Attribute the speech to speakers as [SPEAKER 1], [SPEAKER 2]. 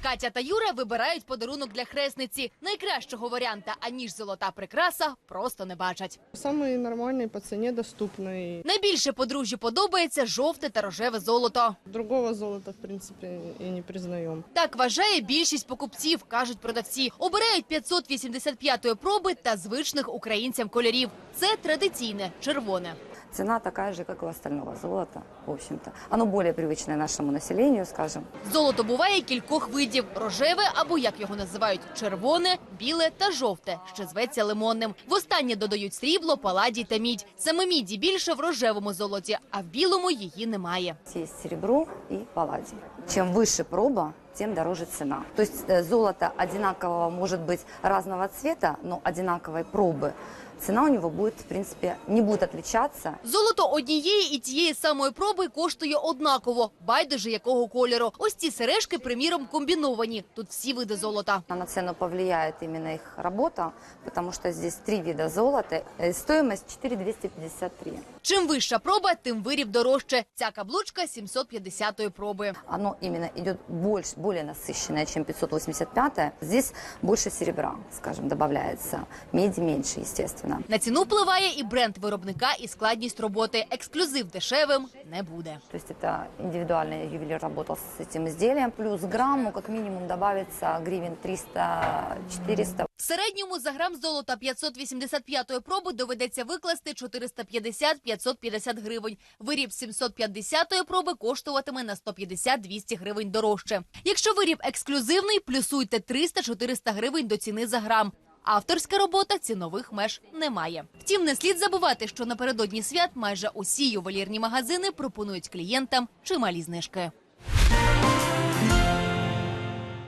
[SPEAKER 1] Катя та Юра вибирають подарунок для хресниці. Найкращого варіанта, аніж золота прикраса, просто не бачать.
[SPEAKER 2] Самый нормальный, по цене доступный.
[SPEAKER 1] Найбільше подружжю подобається жовте та рожеве золото.
[SPEAKER 2] Другого золота, в принципе, и не признаем.
[SPEAKER 1] Так вважає більшість покупців, кажуть продавці. Обирають 585-ї проби та звичних українцям кольорів. Це традиційне червоне.
[SPEAKER 3] Цена такая же, как у остального золота, в общем-то. Оно более привычное нашему населению, скажем.
[SPEAKER 1] Золото буває кількох видів – рожеве або, як його називають, червоне, біле та жовте, що зветься лимонним. В останнє додають срібло, паладій та мідь. Саме міді більше в рожевому золоті, а в білому її немає.
[SPEAKER 3] Есть серебро и палладий. Чем выше проба, тем дороже цена. То есть золото одинакового может быть разного цвета, но одинаковой пробы. Цена у него будет, в принципе, не будет отличаться.
[SPEAKER 1] Золото однієї і тієї самої проби коштує однаково, байдуже якого кольору. Ось ці сережки, приміром, комбіновані. Тут всі види золота.
[SPEAKER 3] На цену повлияет именно их работа, потому что здесь 3 вида золота. Стоимость 4253.
[SPEAKER 1] Чим вища проба, тим виріб дорожче. Ця каблучка 750-ї проби.
[SPEAKER 3] Оно именно идет более насыщенное, чем 585. Здесь больше серебра, скажем, добавляется. Меди меньше, естественно.
[SPEAKER 1] На ціну впливає і бренд виробника, і складність роботи. Ексклюзив дешевим не буде.
[SPEAKER 3] То есть это индивидуальный ювелир работал с этим изделием. Плюс грамму как минимум добавится гривен 300-400.
[SPEAKER 1] В середньому за грам золота 585-ї проби доведеться викласти 450-550 гривень. Виріб 750-ї проби коштуватиме на 150-200 гривень дорожче. Якщо виріб ексклюзивний, плюсуйте 300-400 гривень до ціни за грам. Авторська робота цінових меж не має. Втім, не слід забувати, що напередодні свят майже усі ювелірні магазини пропонують клієнтам чималі знижки.